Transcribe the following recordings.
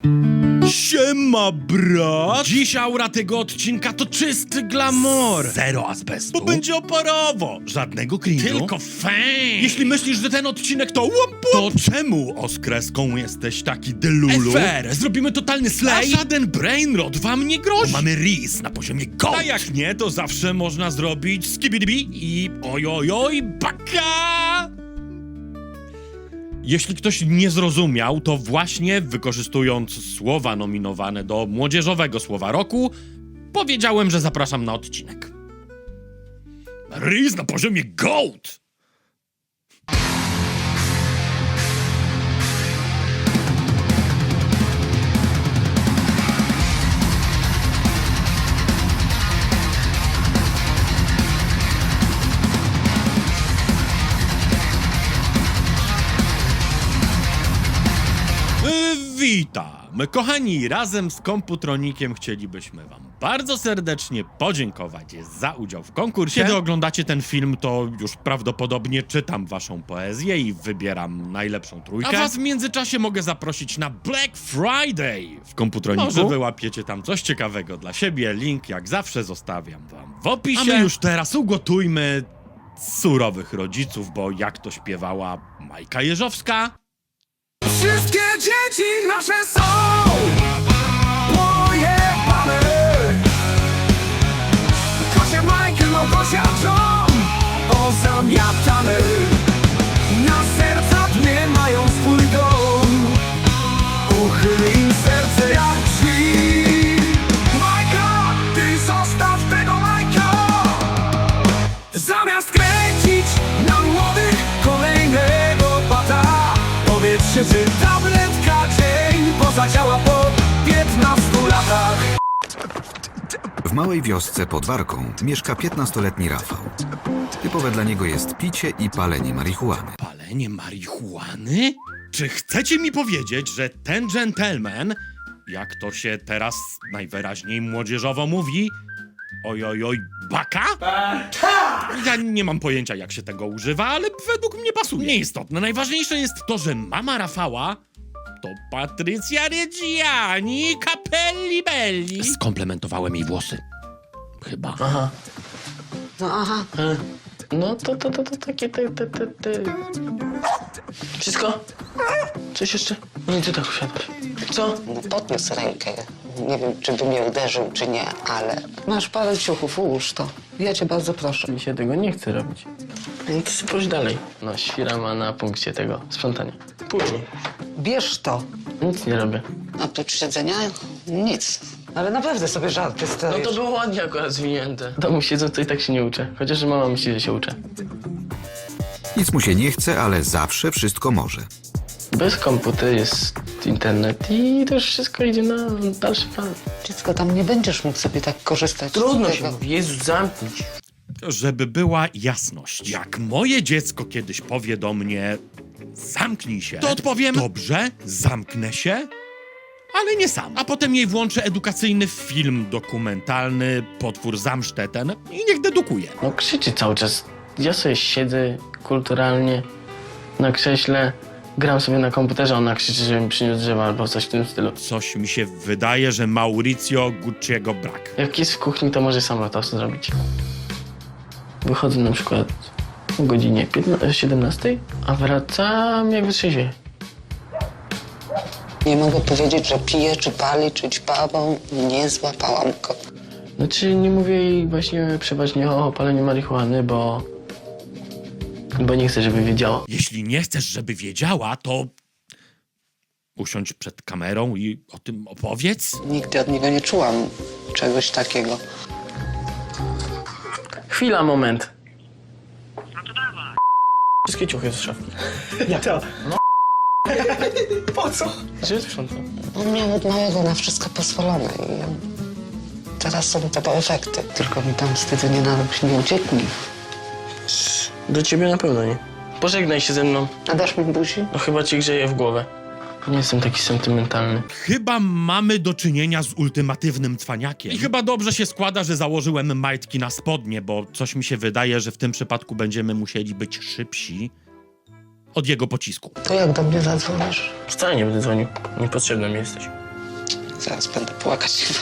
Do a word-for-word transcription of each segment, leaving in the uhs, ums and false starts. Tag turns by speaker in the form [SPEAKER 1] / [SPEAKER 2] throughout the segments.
[SPEAKER 1] Siema, brat! Dziś aura tego odcinka to czysty glamour. Zero azbestu. Bo będzie oporowo. Żadnego cringe'u. Tylko fame. Jeśli myślisz, że ten odcinek to łup, to czemu oskreską jesteś taki delulu? Efer, zrobimy totalny slay. A żaden brainrot wam nie grozi. Bo mamy Riz na poziomie gold. A jak nie, to zawsze można zrobić skibidibi i ojojoj baka! Jeśli ktoś nie zrozumiał, to właśnie wykorzystując słowa nominowane do młodzieżowego słowa roku, powiedziałem, że zapraszam na odcinek. Riz na poziomie GOAT! Witam! Kochani, razem z Komputronikiem chcielibyśmy wam bardzo serdecznie podziękować za udział w konkursie. Kiedy oglądacie ten film, to już prawdopodobnie czytam waszą poezję i wybieram najlepszą trójkę. A was w międzyczasie mogę zaprosić na Black Friday w Komputroniku. Może wyłapiecie tam coś ciekawego dla siebie. Link jak zawsze zostawiam wam w opisie. A my już teraz ugotujmy surowych rodziców, bo jak to śpiewała Majka Jeżowska...
[SPEAKER 2] Wszystkie dzieci nasze są pojebane. Kosia Michael, no Kosia John, pozamiatane. Na serca dnie mają swój dom. Uchyl im serce jak drzwi. Majka, ty zostaw tego Majka. Zamiast kręcić na młodych kolejnego pata, powiedzcie, czy tabletka dzień pozadziała po piętnastu latach.
[SPEAKER 3] W małej wiosce pod Warką mieszka piętnastoletni Rafał. Typowe dla niego jest picie i palenie marihuany.
[SPEAKER 1] Palenie marihuany? Czy chcecie mi powiedzieć, że ten gentleman, jak to się teraz najwyraźniej młodzieżowo mówi, ojojoj, baka? Ja nie mam pojęcia, jak się tego używa, ale według mnie pasuje. Nieistotne. Najważniejsze jest to, że mama Rafała to Patrycja Reggiani Capelli Belli. Skomplementowałem jej włosy. Chyba.
[SPEAKER 4] Aha. No aha. E, no to, to, to, to takie te, te, te, te. Wszystko? Coś jeszcze? Nie, ty tak usiadłeś. Co?
[SPEAKER 5] No podniósł rękę. Nie wiem, czy by mnie uderzył, czy nie, ale... Masz parę ciuchów, ułóż to. Ja cię bardzo proszę.
[SPEAKER 4] Mi się tego nie chce robić. No to sobie pójdź dalej. No, świra ma na punkcie tego sprzątania. Później.
[SPEAKER 5] Bierz to.
[SPEAKER 4] Nic nie robię.
[SPEAKER 5] Oprócz siedzenia nic. Ale naprawdę sobie żarty
[SPEAKER 4] No
[SPEAKER 5] stajesz.
[SPEAKER 4] to było ładnie akurat zwinięte. W domu siedzą, to i tak się nie uczę. Chociaż mama myśli, że się uczę.
[SPEAKER 3] Nic mu się nie chce, ale zawsze wszystko może.
[SPEAKER 4] Bez komputera jest internet i to już wszystko idzie na dalszy plan.
[SPEAKER 5] Dziecko, tam nie będziesz mógł sobie tak korzystać.
[SPEAKER 4] Trudno
[SPEAKER 5] z
[SPEAKER 4] się
[SPEAKER 5] tego.
[SPEAKER 4] mówi. Jezus, zamknij się.
[SPEAKER 1] Żeby była jasność, jak moje dziecko kiedyś powie do mnie zamknij się, to odpowiem dobrze, zamknę się, ale nie sam. A potem jej włączę edukacyjny film dokumentalny Potwór Zamszteten i niech dedukuje.
[SPEAKER 4] No krzyczy cały czas. Ja sobie siedzę kulturalnie na krześle, gram sobie na komputerze, ona krzyczy, żeby mi przyniósł drzewa albo coś w tym stylu.
[SPEAKER 1] Coś mi się wydaje, że Mauricio Gucci'ego brak.
[SPEAKER 4] Jak jest w kuchni, to może sama to zrobić. Wychodzę na przykład o godzinie siedemnastej, a wracam jak wytrzeźwieję.
[SPEAKER 5] Nie mogę powiedzieć, że pije, czy pali, czy ćpawą. Nie złapałam go.
[SPEAKER 4] Znaczy nie mówię jej właśnie przeważnie o paleniu marihuany, bo... bo nie chcę, żeby wiedziała.
[SPEAKER 1] Jeśli nie chcesz, żeby wiedziała, to usiądź przed kamerą i o tym opowiedz.
[SPEAKER 5] Nigdy od niego nie czułam czegoś takiego.
[SPEAKER 4] Chwila, moment. No to dawaj. Wszystkie ciuchy z szafki. Jak to? No. Po co? Że sprzątam.
[SPEAKER 5] On miał od małego na wszystko pozwolone i teraz są tego efekty. Tylko mi tam wstydu nie narobić, nie ucieknij.
[SPEAKER 4] Do ciebie na pewno nie. Pożegnaj się ze mną.
[SPEAKER 5] A dasz mi buzi?
[SPEAKER 4] No chyba ci grzeje w głowę. Nie jestem taki sentymentalny.
[SPEAKER 1] Chyba mamy do czynienia z ultimatywnym cwaniakiem. I chyba dobrze się składa, że założyłem majtki na spodnie, bo coś mi się wydaje, że w tym przypadku będziemy musieli być szybsi od jego pocisku.
[SPEAKER 5] To jak do mnie zadzwonisz?
[SPEAKER 4] Wcale nie będę dzwonił. Niepotrzebny mi jesteś.
[SPEAKER 5] teraz będę płakać chyba.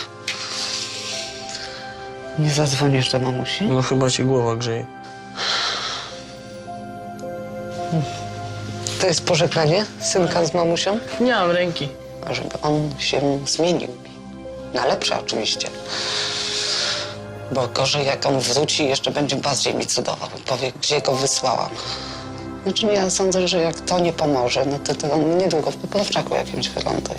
[SPEAKER 5] Nie zadzwonisz do mamusi?
[SPEAKER 4] No chyba ci głowa grzeje.
[SPEAKER 5] To jest pożegnanie synka z mamusią?
[SPEAKER 4] Nie mam ręki.
[SPEAKER 5] Żeby on się zmienił. Na lepsze oczywiście. Bo gorzej jak on wróci, jeszcze będzie bardziej mi cudował. Powie, gdzie go wysłałam. Znaczy ja sądzę, że jak to nie pomoże, no to, to on niedługo w poprawczaku jakimś wyląduje.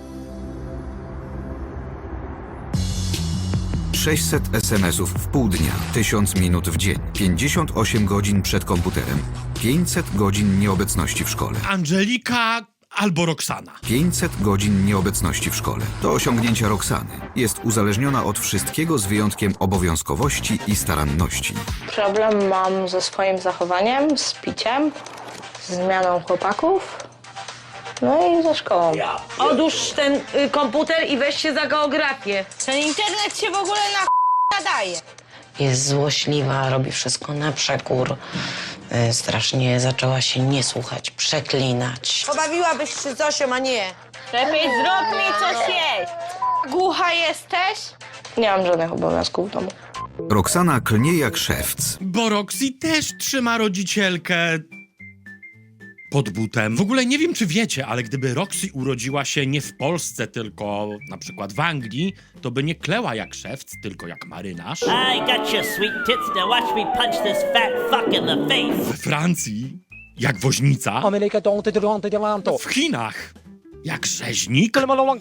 [SPEAKER 3] sześćset esemesów w pół dnia, tysiąc minut w dzień, pięćdziesiąt osiem godzin przed komputerem, pięćset godzin nieobecności w szkole.
[SPEAKER 1] Angelika albo Roxana.
[SPEAKER 3] pięćset godzin nieobecności w szkole. To osiągnięcia Roxany. Jest uzależniona od wszystkiego z wyjątkiem obowiązkowości i staranności.
[SPEAKER 6] Problem mam ze swoim zachowaniem, z piciem, z zmianą chłopaków, no i ze szkołą.
[SPEAKER 7] Odłóż ten y, komputer i weź się za geografię.
[SPEAKER 6] Ten internet się w ogóle na ch... nadaje.
[SPEAKER 5] Jest złośliwa, robi wszystko na przekór. E, strasznie zaczęła się nie słuchać, przeklinać.
[SPEAKER 7] Pobawiłabyś się z Zosią, a nie.
[SPEAKER 6] Lepiej zrób mi coś jeść. Głucha jesteś? Nie mam żadnych obowiązków w domu.
[SPEAKER 3] Roxana klnie jak szewc.
[SPEAKER 1] Bo Roxy też trzyma rodzicielkę pod butem. W ogóle nie wiem, czy wiecie, ale gdyby Roxy urodziła się nie w Polsce, tylko na przykład w Anglii, to by nie kleła jak szewc, tylko jak marynarz.
[SPEAKER 8] I got your sweet tits, now watch me punch this fat fuck in the face.
[SPEAKER 1] We Francji jak woźnica. W Chinach jak rzeźnik.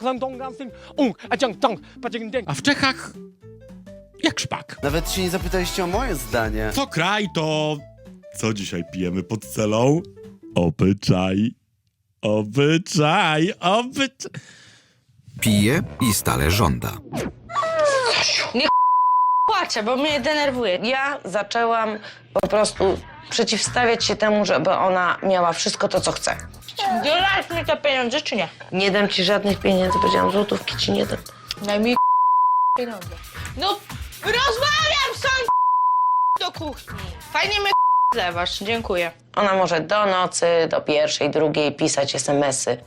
[SPEAKER 1] A w Czechach jak szpak.
[SPEAKER 9] Nawet się nie zapytaliście o moje zdanie.
[SPEAKER 1] Co kraj, to... Co dzisiaj pijemy pod celą? Obyczaj. Obyczaj. Obyczaj.
[SPEAKER 3] Pije i stale żąda.
[SPEAKER 6] Płaczę, bo mnie denerwuje.
[SPEAKER 7] Ja zaczęłam po prostu przeciwstawiać się temu, żeby ona miała wszystko to, co chce.
[SPEAKER 6] Dolasz mi te pieniądze, czy nie?
[SPEAKER 7] Nie dam ci żadnych pieniędzy, powiedziałam, złotówki ci nie dam.
[SPEAKER 6] Daj mi pieniądze. No, rozmawiam sam do kuchni. Fajnie mnie zlewasz, dziękuję.
[SPEAKER 7] Ona może do nocy, do pierwszej, drugiej pisać es em esy.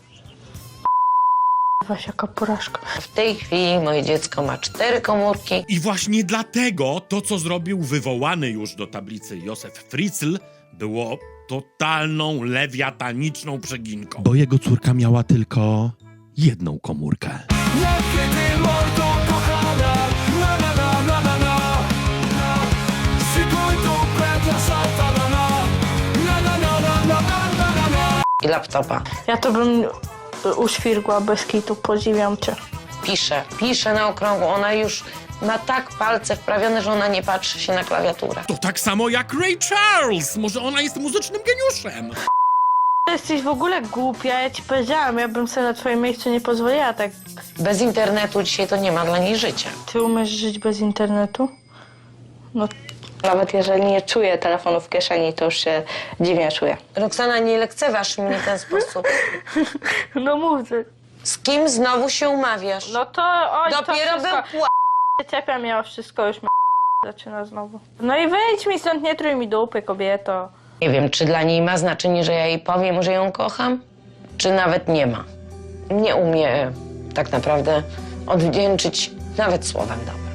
[SPEAKER 6] Weź jaka porażka.
[SPEAKER 7] W tej chwili moje dziecko ma cztery komórki.
[SPEAKER 1] I właśnie dlatego to, co zrobił wywołany już do tablicy Józef Fritzl, było totalną lewiataniczną przeginką. Bo jego córka miała tylko jedną komórkę.
[SPEAKER 2] Jak kiedy mordo kochana, na na na na na na na. Szykuj dupę dla szatana, na na na na na na na na.
[SPEAKER 7] I laptopa.
[SPEAKER 6] Ja to bym uświrgła bez kitu, podziwiam cię.
[SPEAKER 7] Pisze, pisze na okrągło. Ona już ma tak palce wprawione, że ona nie patrzy się na klawiaturę.
[SPEAKER 1] To tak samo jak Ray Charles. Może ona jest muzycznym geniuszem.
[SPEAKER 6] Jesteś w ogóle głupia, ja ci powiedziałam, ja bym sobie na twoim miejscu nie pozwoliła tak.
[SPEAKER 7] Bez internetu dzisiaj to nie ma dla niej życia.
[SPEAKER 6] Ty umiesz żyć bez internetu? No, nawet jeżeli nie czuję telefonu w kieszeni, to już się dziwnie czuję.
[SPEAKER 7] Roxana, nie lekceważ mnie w ten sposób.
[SPEAKER 6] No mów ty.
[SPEAKER 7] Z kim znowu się umawiasz?
[SPEAKER 6] No to oj,
[SPEAKER 7] Dopiero
[SPEAKER 6] to
[SPEAKER 7] był
[SPEAKER 6] wszystko.
[SPEAKER 7] pła...
[SPEAKER 6] Czepia mnie o wszystko, już mnie zaczyna znowu. No i wyjdź mi stąd, nie trój mi dupy, kobieto.
[SPEAKER 7] Nie wiem, czy dla niej ma znaczenie, że ja jej powiem, że ją kocham, czy nawet nie ma. Nie umie tak naprawdę odwdzięczyć nawet słowem dobrym.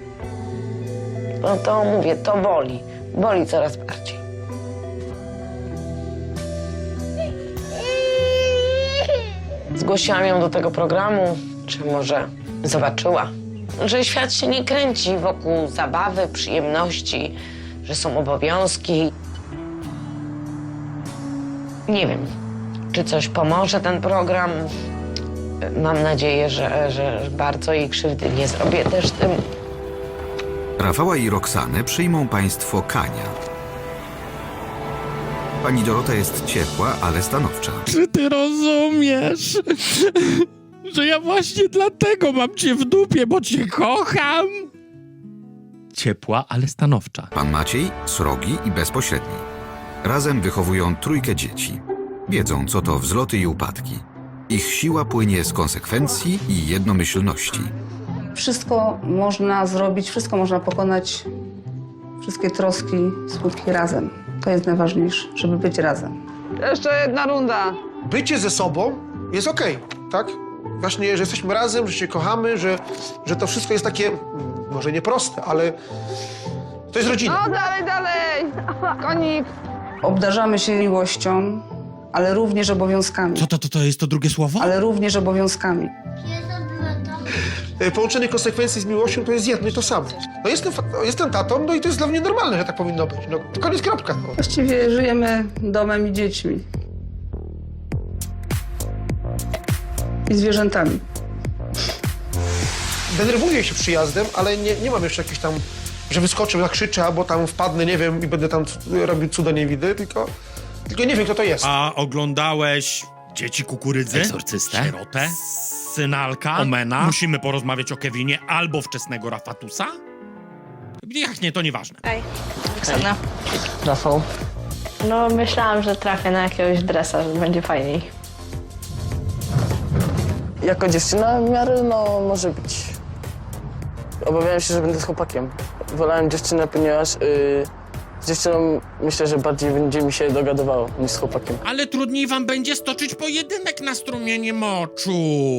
[SPEAKER 7] No to mówię, to boli. Boli coraz bardziej. Zgłosiłam ją do tego programu, czy może zobaczyła, że świat się nie kręci wokół zabawy, przyjemności, że są obowiązki. Nie wiem, czy coś pomoże ten program. Mam nadzieję, że, że bardzo jej krzywdy nie zrobię też tym.
[SPEAKER 3] Rafała i Roxanę przyjmą państwo Kania. Pani Dorota jest ciepła, ale stanowcza.
[SPEAKER 1] Czy ty rozumiesz, że ja właśnie dlatego mam cię w dupie, bo cię kocham? Ciepła, ale stanowcza.
[SPEAKER 3] Pan Maciej srogi i bezpośredni. Razem wychowują trójkę dzieci. Wiedzą, co to wzloty i upadki. Ich siła płynie z konsekwencji i jednomyślności.
[SPEAKER 10] Wszystko można zrobić, wszystko można pokonać, wszystkie troski, smutki razem. To jest najważniejsze, żeby być razem.
[SPEAKER 11] Jeszcze jedna runda.
[SPEAKER 12] Bycie ze sobą jest okej, tak?
[SPEAKER 11] właśnie, że jesteśmy razem, że się kochamy, że, że to wszystko jest takie, mm, może nie proste, ale to jest rodzina.
[SPEAKER 10] No dalej, dalej! Konik! Obdarzamy się miłością, ale również obowiązkami.
[SPEAKER 1] Co to, to, to jest to drugie słowo?
[SPEAKER 10] Ale również obowiązkami.
[SPEAKER 11] E, Połączenie konsekwencji z miłością to jest jedno i to samo. No jestem, fa- no, jestem tatą, no i to jest dla mnie normalne, że tak powinno być. No, to koniec, kropka. No.
[SPEAKER 10] Właściwie żyjemy domem i dziećmi. I zwierzętami.
[SPEAKER 11] Denerwuję się przyjazdem, ale nie, nie mam jeszcze jakichś tam, że wyskoczę, zakrzyczę, albo tam wpadnę, nie wiem, i będę tam c- robił cuda niewidy, tylko, tylko nie wiem, kto to jest.
[SPEAKER 1] A oglądałeś Dzieci Kukurydzy? Egzorcystę? Sierotę? Synalka? Omena? Musimy porozmawiać o Kevinie albo wczesnego Rafatusa? Jak nie, to nieważne.
[SPEAKER 6] Ej, Oksana.
[SPEAKER 4] Rafał,
[SPEAKER 6] No myślałam, że trafię na jakiegoś dresa, że będzie fajniej.
[SPEAKER 4] jako dziewczyna w miarę, no, może być. Obawiałem się, że będę z chłopakiem. Wolałem dziewczynę, ponieważ yy, z dziewczyną myślę, że bardziej będzie mi się dogadywało niż z chłopakiem.
[SPEAKER 1] Ale trudniej wam będzie stoczyć pojedynek na strumienie moczu.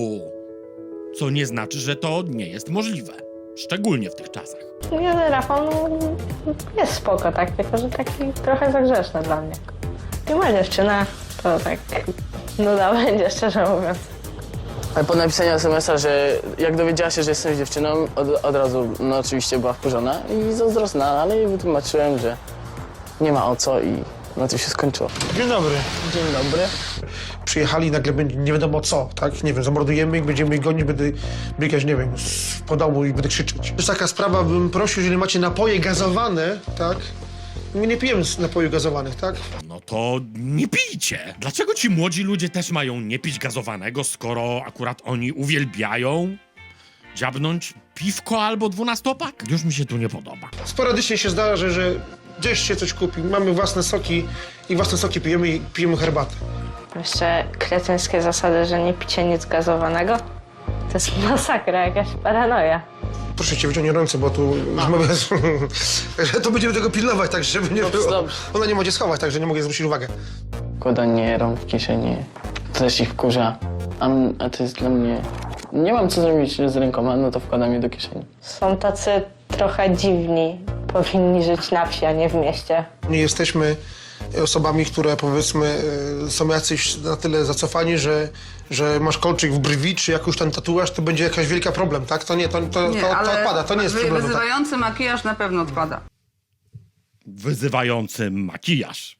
[SPEAKER 1] Co nie znaczy, że to nie jest możliwe. Szczególnie w tych czasach.
[SPEAKER 6] Nie, Rafał, no, jest spoko, tak, tylko że taki trochę za grzeczny dla mnie. I moja dziewczyna, to tak nuda będzie, szczerze mówiąc.
[SPEAKER 4] Ale po napisaniu es em es a, że jak dowiedziała się, że jestem dziewczyną, od, od razu, no oczywiście była wkurzona i zazdrosna, ale jej wytłumaczyłem, że nie ma o co i na tym się skończyło.
[SPEAKER 11] Dzień dobry.
[SPEAKER 4] Dzień dobry.
[SPEAKER 11] Przyjechali i nagle będzie nie wiadomo co, tak? Nie wiem, zamordujemy ich, będziemy ich gonić, będę biegać, nie wiem, z- po domu i będę krzyczeć. To jest taka sprawa, bym prosił, jeżeli macie napoje gazowane, tak? My nie pijemy z napojów gazowanych, tak?
[SPEAKER 1] No to nie pijcie. Dlaczego ci młodzi ludzie też mają nie pić gazowanego, skoro akurat oni uwielbiają dziabnąć piwko albo dwunastopak? Już mi się tu nie podoba.
[SPEAKER 11] Sporadycznie się zdarza, że gdzieś się coś kupi, mamy własne soki i własne soki pijemy i pijemy herbatę.
[SPEAKER 6] Jeszcze kretyńskie zasady, że nie picie nic gazowanego. To jest masakra, jakaś paranoja.
[SPEAKER 11] Proszę cię, wyciągnij ręce, bo tu mamy... że to będziemy tego pilnować, tak żeby nie
[SPEAKER 4] Dobrze,
[SPEAKER 11] było.
[SPEAKER 4] dobrze.
[SPEAKER 11] Ona nie może schować, tak że nie mogę zwrócić uwagę.
[SPEAKER 4] Kładanie rąk w kieszeni to też ich wkurza, a, m- a to jest dla mnie... Nie mam co zrobić z rękoma, no to wkładam je do kieszeni.
[SPEAKER 6] Są tacy trochę dziwni. Powinni żyć na wsi, a nie w mieście.
[SPEAKER 11] Nie jesteśmy osobami, które powiedzmy e, są jacyś na tyle zacofani, że, że masz kolczyk w brwi, czy jakiś tam tatuaż, to będzie jakaś wielka problem, tak? To nie, to, to, to, to odpada, to nie jest
[SPEAKER 10] wy-
[SPEAKER 11] problem. Tak?
[SPEAKER 10] Wyzywający makijaż na pewno odpada.
[SPEAKER 1] Wyzywający makijaż.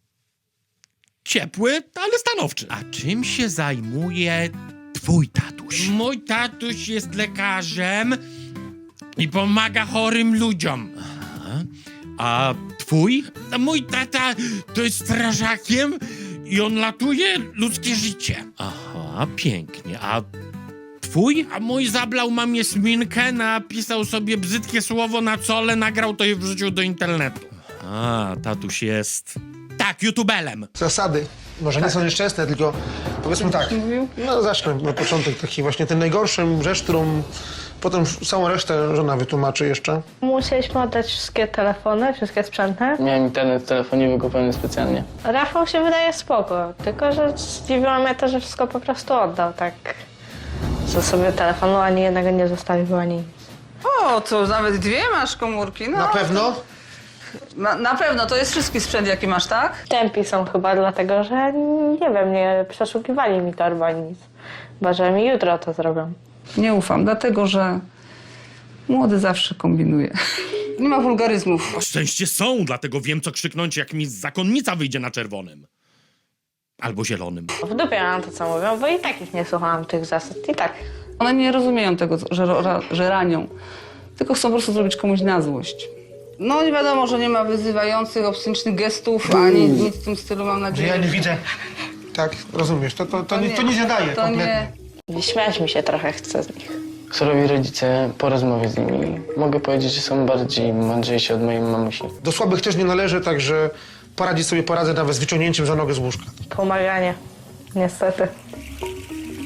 [SPEAKER 1] Ciepły, ale stanowczy. A czym się zajmuje twój tatuś? Mój tatuś jest lekarzem i pomaga chorym ludziom. Aha. A twój? A mój tata to jest strażakiem i on latuje ludzkie życie. Aha, pięknie. A twój? A mój zablał mamie sminkę, napisał sobie brzydkie słowo na czole, nagrał to i wrzucił do internetu. A, tatuś jest... Tak, YouTubelem.
[SPEAKER 11] Zasady może nie są nieszczęsne, tylko powiedzmy tak. No zacznę na początek taki właśnie ten najgorszą rzecz, którą potem całą resztę żona wytłumaczy jeszcze.
[SPEAKER 6] Musieliśmy oddać wszystkie telefony, wszystkie sprzęty.
[SPEAKER 4] Miałem internet w telefonie wykupiony specjalnie.
[SPEAKER 6] Rafał się wydaje spoko, tylko że zdziwiło mnie to, że wszystko po prostu oddał, tak. Że sobie telefonu ani jednego nie zostawił, ani nic.
[SPEAKER 10] O, to nawet dwie masz komórki, no.
[SPEAKER 11] Na pewno?
[SPEAKER 10] Na, na pewno, to jest wszystki sprzęt, jaki masz, tak?
[SPEAKER 6] Tępi są chyba dlatego, że nie wiem, nie przeszukiwali mi torby ani nic. Chyba, że mi jutro to zrobią.
[SPEAKER 10] Nie ufam, dlatego że młody zawsze kombinuje. Nie ma wulgaryzmów.
[SPEAKER 1] Na szczęście są, dlatego wiem, co krzyknąć, jak mi zakonnica wyjdzie na czerwonym. Albo zielonym.
[SPEAKER 6] W dupie mam to, co mówią, bo i tak ich nie słuchałam, tych zasad. I tak.
[SPEAKER 10] One nie rozumieją tego, że, ra, że ranią, tylko chcą po prostu zrobić komuś na złość. No nie wiadomo, że nie ma wyzywających, obscenicznych gestów, ani nic w tym stylu, mam
[SPEAKER 11] Że
[SPEAKER 10] nadzieję.
[SPEAKER 11] ja nie widzę. Tak, rozumiesz, to, to, to, nie, to nie zadaje
[SPEAKER 10] to
[SPEAKER 11] kompletnie.
[SPEAKER 10] nie.
[SPEAKER 6] Śmiać mi się trochę chce z nich.
[SPEAKER 4] Surowi rodzice, po rozmowie z nimi, mogę powiedzieć, że są bardziej mądrzejsi od mojej mamusi.
[SPEAKER 11] Do słabych też nie należy, także poradzić sobie poradzę nawet z wyciągnięciem za nogę z łóżka.
[SPEAKER 6] Pomaganie. Niestety.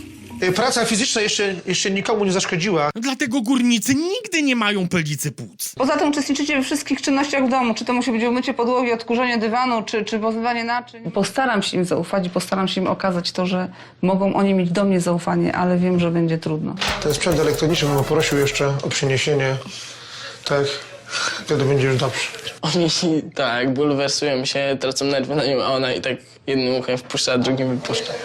[SPEAKER 11] Y, Praca fizyczna jeszcze, jeszcze nikomu nie zaszkodziła.
[SPEAKER 1] Dlatego górnicy nigdy nie mają pylicy płuc.
[SPEAKER 10] Poza tym uczestniczycie we wszystkich czynnościach w domu. Czy to musi być umycie podłogi, odkurzenie dywanu, czy, czy pozbywanie naczyń. Postaram się im zaufać i postaram się im okazać to, że mogą oni mieć do mnie zaufanie, ale wiem, że będzie trudno.
[SPEAKER 11] Ten sprzęt elektroniczny bym poprosił jeszcze o przyniesienie. Tak, wtedy będzie już dobrze.
[SPEAKER 4] Oni tak, bulwersują się, tracą nerwy na nią, a ona i tak jednym uchem wpuszcza, a drugim wypuszcza.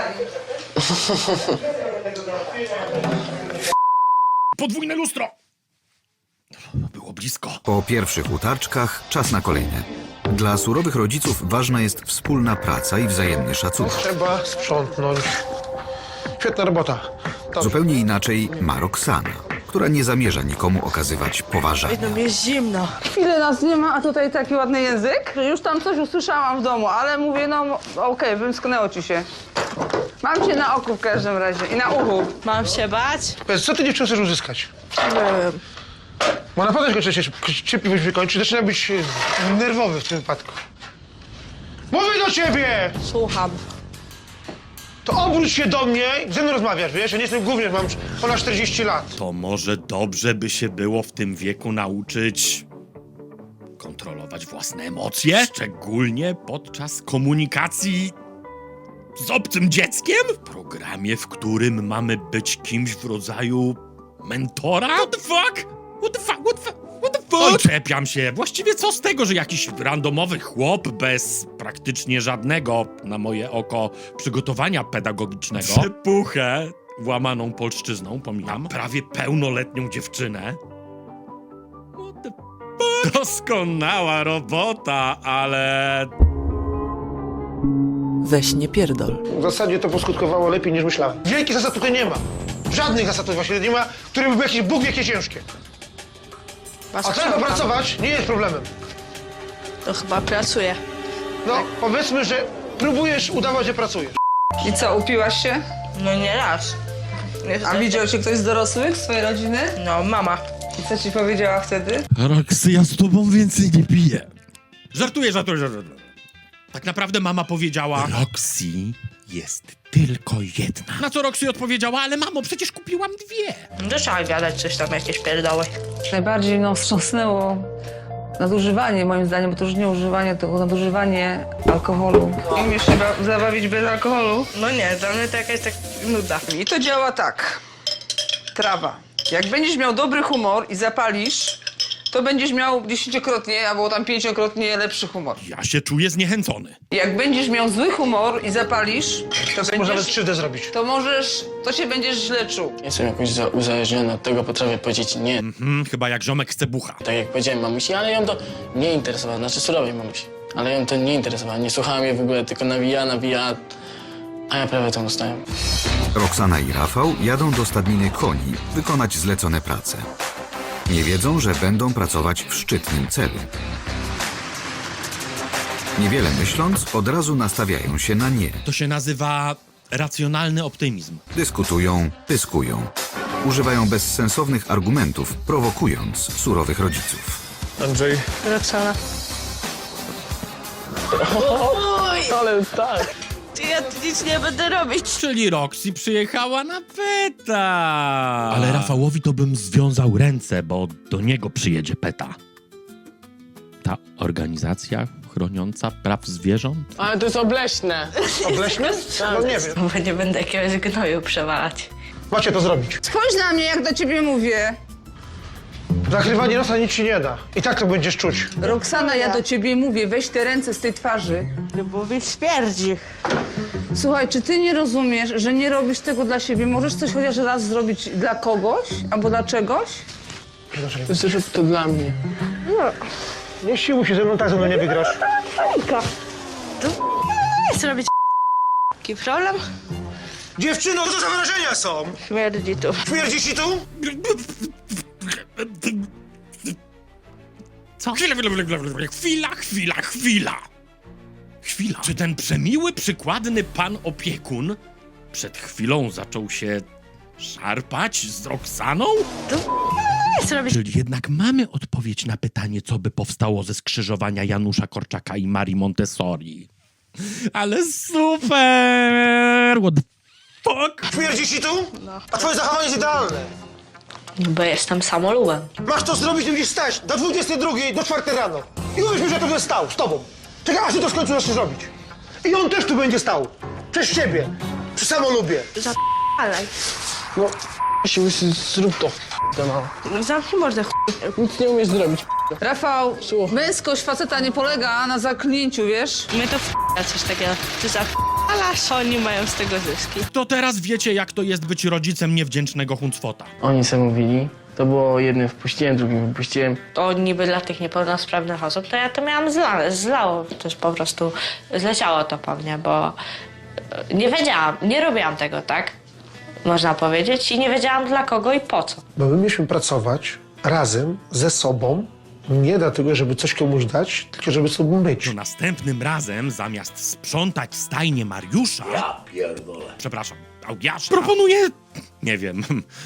[SPEAKER 1] Podwójne lustro! Było blisko.
[SPEAKER 3] Po pierwszych utarczkach czas na kolejne. Dla surowych rodziców ważna jest wspólna praca i wzajemny szacunek.
[SPEAKER 11] Trzeba sprzątnąć. Świetna robota. Dobrze.
[SPEAKER 3] Zupełnie inaczej ma Roxana, która nie zamierza nikomu okazywać poważania.
[SPEAKER 10] Chwilę nas nie ma, a tutaj taki ładny język. Już tam coś usłyszałam w domu, ale mówię, no okej, wymsknęło ci się. Mam cię na oku w każdym razie i na uchu.
[SPEAKER 6] Mam się bać?
[SPEAKER 11] Powiedz, co ty dziewczyno chcesz uzyskać?
[SPEAKER 6] Nie wiem.
[SPEAKER 11] Bo naprawdę kończy się, cierpliwość wykończy, zaczyna być e, nerwowy w tym wypadku. Mówię do ciebie!
[SPEAKER 6] Słucham.
[SPEAKER 11] To obróć się do mnie i ze mną rozmawiasz, wiesz? Ja nie jestem gówniarz, mam ponad czterdzieści lat.
[SPEAKER 1] To może dobrze by się było w tym wieku nauczyć kontrolować własne emocje, szczególnie podczas komunikacji z obcym dzieckiem? W programie, w którym mamy być kimś w rodzaju mentora? What the fuck? What the fuck? What the fuck? What the fuck? Oj, czepiam się. Właściwie co z tego, że jakiś randomowy chłop bez praktycznie żadnego, na moje oko, przygotowania pedagogicznego przepuchę łamaną polszczyzną, pomijam, prawie pełnoletnią dziewczynę. What the fuck? Doskonała robota, ale...
[SPEAKER 12] Weź nie pierdol.
[SPEAKER 11] W zasadzie to poskutkowało lepiej niż myślałem. Wielkich zasad tutaj nie ma. Żadnych zasad tutaj właśnie nie ma, które by były jakieś Bóg jakie ciężkie. A trzeba pracować nie jest problemem.
[SPEAKER 6] To chyba pracuje.
[SPEAKER 11] No, powiedzmy, że próbujesz udawać, że pracujesz.
[SPEAKER 10] I co, upiłaś się?
[SPEAKER 6] No nie raz.
[SPEAKER 10] A widział cię ktoś z dorosłych, z twojej rodziny?
[SPEAKER 6] No, mama.
[SPEAKER 10] I co ci powiedziała wtedy?
[SPEAKER 1] Roxy, ja z tobą więcej nie piję. Żartuję, żartuję, żartuję. Tak naprawdę mama powiedziała... Roxy jest tylko jedna. Na co Roxy odpowiedziała, ale mamo, przecież kupiłam dwie.
[SPEAKER 6] No trzeba gadać coś tam, jakieś pierdoły.
[SPEAKER 10] Najbardziej mną wstrząsnęło nadużywanie, moim zdaniem, bo to już nie używanie, tylko nadużywanie alkoholu. Umiesz się ba- zabawić bez alkoholu?
[SPEAKER 6] No nie, dla mnie to jakaś tak nuda.
[SPEAKER 10] I to działa tak. Trawa. Jak będziesz miał dobry humor i zapalisz, to będziesz miał dziesięciokrotnie albo tam pięciokrotnie lepszy humor.
[SPEAKER 1] Ja się czuję zniechęcony.
[SPEAKER 10] Jak będziesz miał zły humor i zapalisz, to
[SPEAKER 11] Może nawet
[SPEAKER 10] będziesz,
[SPEAKER 11] krzywdę zrobić.
[SPEAKER 10] to możesz, to się będziesz źle czuł.
[SPEAKER 4] Jestem jakoś za- uzależniony od tego, potrafię powiedzieć nie.
[SPEAKER 1] Mhm, chyba jak ziomek chce bucha.
[SPEAKER 4] Tak jak powiedziałem mamusi, ale ją to nie interesowało, znaczy surowej mamusi. Ale ją to nie interesowało, nie słuchałem jej w ogóle, tylko nawija, nawija, a ja prawie tam ustałem.
[SPEAKER 3] Roxana i Rafał jadą do stadniny koni wykonać zlecone prace. Nie wiedzą, że będą pracować w szczytnym celu. Niewiele myśląc, od razu nastawiają się na nie.
[SPEAKER 1] To się nazywa racjonalny optymizm.
[SPEAKER 3] Dyskutują, pyskują. Używają bezsensownych argumentów, prowokując surowych rodziców.
[SPEAKER 11] Andrzej,
[SPEAKER 6] Roxana.
[SPEAKER 4] Ale tak.
[SPEAKER 6] Ja tu nic nie będę robić.
[SPEAKER 1] Czyli Roxy przyjechała na peta. Ale Rafałowi to bym związał ręce, bo do niego przyjedzie peta. Ta organizacja chroniąca praw zwierząt?
[SPEAKER 4] Ale to jest obleśne.
[SPEAKER 11] obleśny? No nie wiem.
[SPEAKER 6] Bo nie będę jakiegoś gnoju przewalać.
[SPEAKER 11] Macie to zrobić.
[SPEAKER 10] Spójrz na mnie, jak do ciebie mówię.
[SPEAKER 11] Zakrywanie nosa nic ci nie da. I tak to będziesz czuć.
[SPEAKER 10] Roxana, ja do ciebie mówię, weź te ręce z tej twarzy.
[SPEAKER 6] Bo mi śmierdzi.
[SPEAKER 10] Słuchaj, czy ty nie rozumiesz, że nie robisz tego dla siebie? Możesz coś chociaż raz zrobić dla kogoś albo dla czegoś?
[SPEAKER 4] Zrób to dla mnie.
[SPEAKER 11] Nie siłuj się ze mną, tak ze mną nie wygrasz.
[SPEAKER 6] Nie chcę robić taki problem?
[SPEAKER 11] Dziewczyno, co to za wyrażenia są?
[SPEAKER 6] Śmierdzi tu.
[SPEAKER 11] Śmierdzi ci tu?
[SPEAKER 1] Co? Chwila, chwila, chwila, chwila, chwila, chwila. Chwila. Czy ten przemiły, przykładny pan opiekun przed chwilą zaczął się szarpać z Roxaną?
[SPEAKER 6] Nie chcę robić.
[SPEAKER 1] Czyli jednak mamy odpowiedź na pytanie, co by powstało ze skrzyżowania Janusza Korczaka i Marii Montessori. Ale super! What the fuck?
[SPEAKER 11] Śmierdzi ci tu? A twoje zachowanie jest idealne.
[SPEAKER 6] Bo jestem samolubem.
[SPEAKER 11] Masz to zrobić, nie będziesz stać do dwudziestej drugiej, do czwartej rano. I powiesz mi, że ja tu będę stał, z tobą. Czekaj, aż ty to w końcu zaczniesz robić. I on też tu będzie stał. Przez ciebie. Przy samolubie.
[SPEAKER 6] Zapalaj.
[SPEAKER 4] No, się łysy, zrób to, to mało.
[SPEAKER 6] Zamknij mordę, ch...
[SPEAKER 4] Nic nie umiesz zrobić.
[SPEAKER 10] Rafał, męskość faceta nie polega na zaklnięciu, wiesz?
[SPEAKER 6] My to f... coś takiego. Ty zapalasz, oni mają z tego zyski.
[SPEAKER 1] To teraz wiecie, jak to jest być rodzicem niewdzięcznego huncwota.
[SPEAKER 4] Oni sobie mówili, to było jednym wpuściłem, drugim wypuściłem.
[SPEAKER 6] To niby dla tych niepełnosprawnych osób, to ja to miałam zlane, zlało. Też po prostu zleciało to po mnie, bo nie wiedziałam, nie robiłam tego, tak? Można powiedzieć. I nie wiedziałam dla kogo i po co.
[SPEAKER 11] Bo my mieliśmy pracować razem, ze sobą, nie dlatego, żeby coś komuś dać, tylko żeby sobą być.
[SPEAKER 1] To następnym razem, zamiast sprzątać stajnię Mariusza... Ja pierdolę. Przepraszam, Augiasza... Proponuję... nie wiem...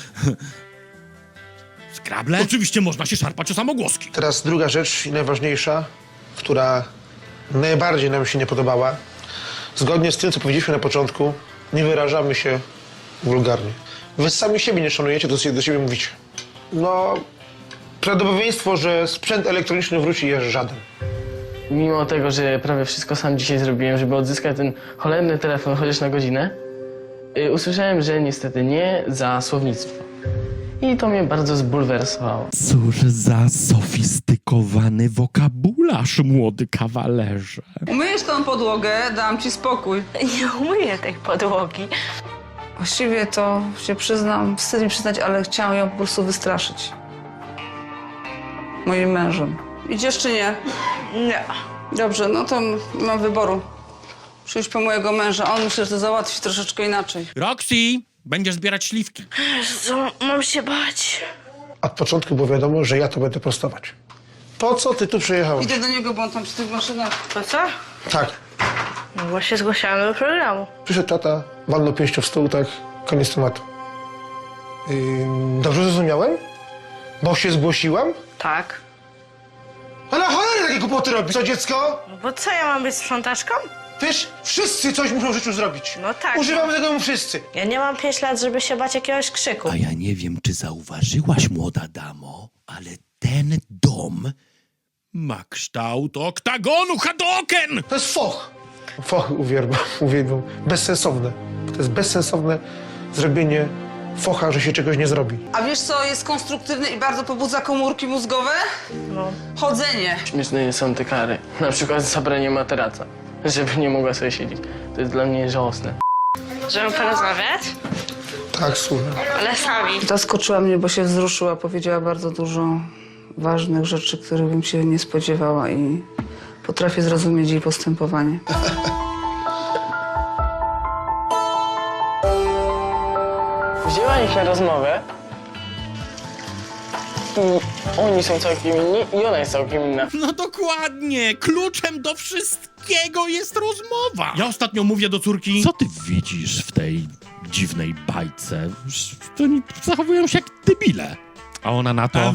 [SPEAKER 1] Skrable? Oczywiście można się szarpać o samogłoski.
[SPEAKER 11] Teraz druga rzecz i najważniejsza, która najbardziej nam się nie podobała. Zgodnie z tym, co powiedzieliśmy na początku, nie wyrażamy się wulgarnie. Wy sami siebie nie szanujecie, to sobie do siebie mówicie. No, prawdopodobieństwo, że sprzęt elektroniczny wróci, jest żaden.
[SPEAKER 4] Mimo tego, że prawie wszystko sam dzisiaj zrobiłem, żeby odzyskać ten cholerny telefon chociaż na godzinę, yy, usłyszałem, że niestety nie za słownictwo. I to mnie bardzo zbulwersowało.
[SPEAKER 1] Cóż za sofistykowany wokabularz, młody kawalerze.
[SPEAKER 10] Umyjesz tą podłogę, dam ci spokój.
[SPEAKER 6] Nie umyję tej podłogi.
[SPEAKER 10] Właściwie to się przyznam, wstyd mi przyznać, ale chciałam ją po prostu wystraszyć. Moim mężem. Idziesz czy nie?
[SPEAKER 6] Nie.
[SPEAKER 10] Dobrze, no to nie mam wyboru. Przyjść po mojego męża, on myślę, że to załatwi troszeczkę inaczej.
[SPEAKER 1] Roxy, będziesz zbierać śliwki.
[SPEAKER 6] Co, mam się bać?
[SPEAKER 11] Od początku było wiadomo, że ja to będę prostować. Po co ty tu przyjechałeś?
[SPEAKER 10] Idę do niego, bo on tam przy tych maszynach.
[SPEAKER 6] Po co?
[SPEAKER 11] Tak.
[SPEAKER 6] No bo się zgłosiłam do programu.
[SPEAKER 11] Przyszedł tata, walnął pięścią w stół, tak, koniec tematu. Yy, dobrze zrozumiałem? Bo się zgłosiłam?
[SPEAKER 6] Tak.
[SPEAKER 11] Ale cholery takie głupoty robisz, co dziecko?
[SPEAKER 6] No bo co, ja mam być sprzątaczką?
[SPEAKER 11] Wiesz, wszyscy coś muszą w życiu zrobić.
[SPEAKER 6] No tak.
[SPEAKER 11] Używamy tego wszyscy.
[SPEAKER 6] Ja nie mam pięć lat, żeby się bać jakiegoś krzyku.
[SPEAKER 1] A ja nie wiem, czy zauważyłaś, młoda damo, ale ten dom ma kształt oktagonu Hadoken!
[SPEAKER 11] To jest foch. Foch uwielbiam, uwielbiam. Bezsensowne. To jest bezsensowne zrobienie focha, że się czegoś nie zrobi.
[SPEAKER 10] A wiesz co jest konstruktywne i bardzo pobudza komórki mózgowe?
[SPEAKER 6] No.
[SPEAKER 10] Chodzenie.
[SPEAKER 4] Śmieszne są te kary. Na przykład zabranie materaca, żeby nie mogła sobie siedzieć. To jest dla mnie żałosne.
[SPEAKER 6] Żeby porozmawiać?
[SPEAKER 11] Tak, słuchaj.
[SPEAKER 6] Ale sami.
[SPEAKER 10] Zaskoczyła mnie, bo się wzruszyła. Powiedziała bardzo dużo ważnych rzeczy, których bym się nie spodziewała i potrafię zrozumieć jej postępowanie.
[SPEAKER 4] Wzięła ich na rozmowę i oni są całkiem inni i ona jest całkiem inna.
[SPEAKER 1] No dokładnie, kluczem do wszystkiego jest rozmowa. Ja ostatnio mówię do córki, co ty widzisz w tej dziwnej bajce? To oni zachowują się jak debile. A ona na to...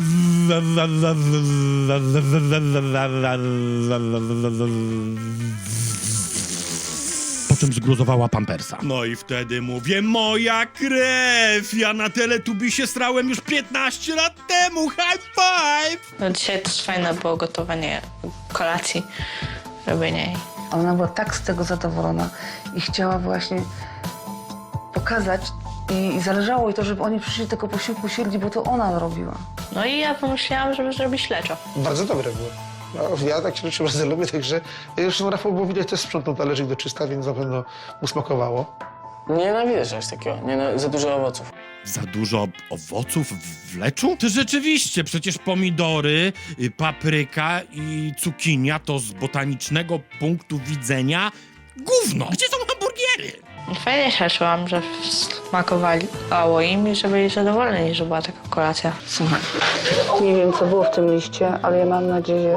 [SPEAKER 1] Po czym zgruzowała pampersa. No i wtedy mówię, moja krew! Ja na Teletubisie srałem już piętnaście lat temu! High five!
[SPEAKER 6] No dzisiaj też fajne było gotowanie kolacji, robienie jej.
[SPEAKER 10] Ona była tak z tego zadowolona i chciała właśnie pokazać i, i zależało jej to, żeby oni przyszli tego posiłku siedli, bo to ona robiła.
[SPEAKER 6] No i ja pomyślałam, żeby zrobić śleczo.
[SPEAKER 11] Bardzo dobre było. No, ja tak się rzeczy bardzo lubię, także zresztą Rafał, bo widać, też sprzątnął talerzyk do czysta, więc na pewno mu smakowało.
[SPEAKER 4] Nie nienawidzę czegoś takiego, nie, za dużo owoców.
[SPEAKER 1] Za dużo owoców w leczu? To rzeczywiście, przecież pomidory, y, papryka i cukinia to z botanicznego punktu widzenia gówno. Gdzie są hamburgery?
[SPEAKER 6] Fajnie się czułam, że smakowało im i że byli zadowoleni, że była taka kolacja.
[SPEAKER 10] Słuchaj, nie wiem, co było w tym liście, ale ja mam nadzieję,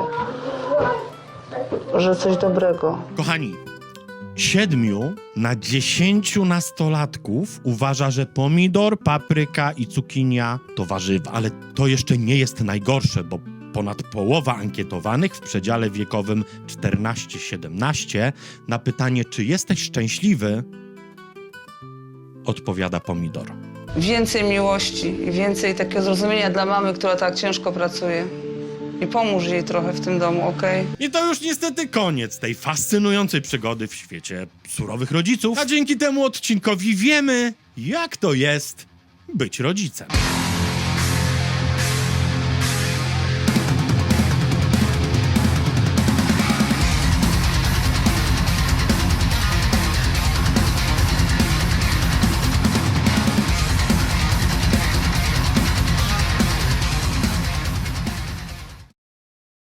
[SPEAKER 10] że coś dobrego.
[SPEAKER 1] Kochani, siedmiu na dziesięciu nastolatków uważa, że pomidor, papryka i cukinia to warzywa. Ale to jeszcze nie jest najgorsze, bo ponad połowa ankietowanych w przedziale wiekowym czternaście siedemnaście na pytanie, czy jesteś szczęśliwy, odpowiada Pomidor.
[SPEAKER 10] Więcej miłości i więcej takiego zrozumienia dla mamy, która tak ciężko pracuje. I pomóż jej trochę w tym domu, okej?
[SPEAKER 1] I to już niestety koniec tej fascynującej przygody w świecie surowych rodziców, a dzięki temu odcinkowi wiemy, jak to jest być rodzicem.